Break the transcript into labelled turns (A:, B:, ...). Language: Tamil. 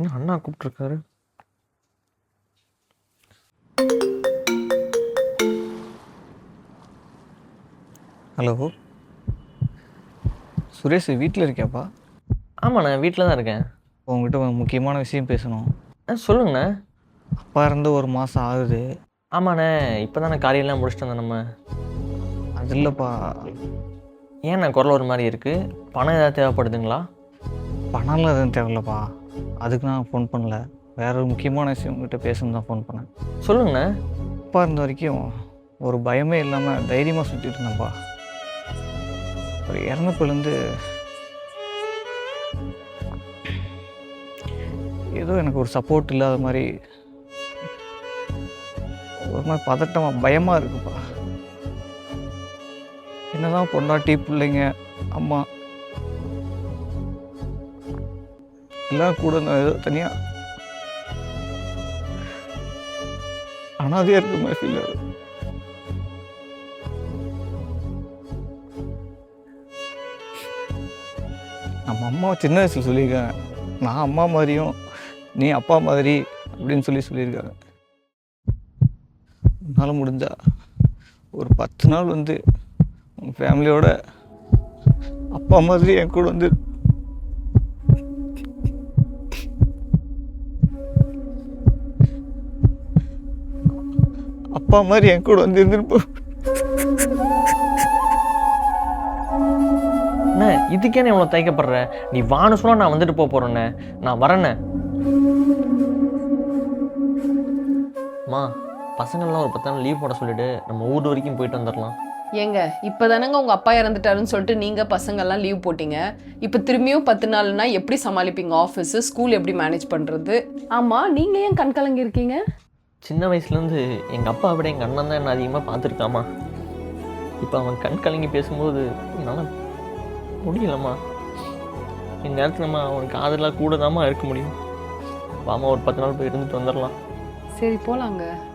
A: என்ன அண்ணா கூப்பிட்ருக்காரு. ஹலோ சுரேஷ், வீட்டில் இருக்கியாப்பா?
B: ஆமாண்ணே, வீட்டில் தான் இருக்கேன்.
A: உங்ககிட்ட ஒரு முக்கியமான விஷயம் பேசணும்.
B: சொல்லுங்கண்ணே.
A: அப்பா இருந்து 1 மாதம் ஆகுது.
B: ஆமாண்ணே, இப்போ தானே காரியெல்லாம் முடிச்சுட்டு வந்தோம் நம்ம.
A: அது இல்லைப்பா.
B: ஏண்ணே குரல் ஒரு மாதிரி இருக்குது? பணம் ஏதாவது தேவைப்படுதுங்களா?
A: பணம்லாம் எதுவும் தேவையில்லப்பா. அதுக்கு நான் ஃபோன் பண்ணல. வேற ஒரு முக்கியமான விஷயம் உங்ககிட்ட பேசணும் தான் ஃபோன் பண்ணேன்.
B: சொல்லுங்கண்ணே.
A: அப்பா இருந்த வரைக்கும் ஒரு பயமே இல்லாமல் தைரியமாக சுற்றிட்டு இருந்தேன்ப்பா. ஒரு இறந்தப்பிலேருந்து ஏதோ எனக்கு ஒரு சப்போர்ட் இல்லாத மாதிரி ஒரு மாதிரி பதட்டமாக பயமாக இருக்குப்பா. என்னதான் பொண்டாட்டி பிள்ளைங்க அம்மா எல்லாம் கூட நான் ஏதோ தனியாக அனாதையாக இருக்க மாதிரி ஃபீல் ஆகுது. நம்ம அம்மா சின்ன வயசில் சொல்லியிருக்காங்க, நான் அம்மா மாதிரியும் நீ அப்பா மாதிரி அப்படின்னு சொல்லியிருக்காங்க. உன்னால் முடிஞ்சா ஒரு 10 நாள் வந்து உங்கள் ஃபேமிலியோட அப்பா மாதிரி என் கூட வந்து அப்பா மாதிரி என் கூட வந்து இருந்துருப்போம்.
B: அண்ணே, இதுக்கே நான் இவ்வளோ தயக்கப்படுற? நீ வான்னு சொன்னா நான் வந்துட்டு போகிறேண்ணே. நான் வரேண்ணே. அம்மா, பசங்கள்லாம் ஒரு 10 நாள் லீவ் போட சொல்லிவிட்டு நம்ம ஊர் வரைக்கும் போயிட்டு வந்துடலாம்.
C: ஏங்க இப்போதானங்க உங்கள் அப்பா இறந்துட்டாருன்னு சொல்லிட்டு நீங்கள் பசங்கள்லாம் லீவ் போட்டிங்க. இப்போ திரும்பியும் 10 நாள்னா எப்படி சமாளிப்பீங்க? ஆஃபீஸு ஸ்கூல் எப்படி மேனேஜ் பண்ணுறது? ஆமாம், நீங்கள் ஏன் கண் கலங்கி இருக்கீங்க?
B: சின்ன வயசுலேருந்து எங்கள் அப்பா விட எங்கள் அண்ணன் தான் என்ன அதிகமாக பார்த்துருக்காமா. இப்போ அவன் கண் கலங்கி பேசும்போது என்னால் முடியலம்மா. இந்த நேரத்தில் நம்ம அவனுக்கு ஆதரவாக கூட தாம்மா இருக்க முடியும். வாமா, ஒரு 10 நாள் போய் இருந்துட்டு வந்துடலாம்.
C: சரி போலாங்க.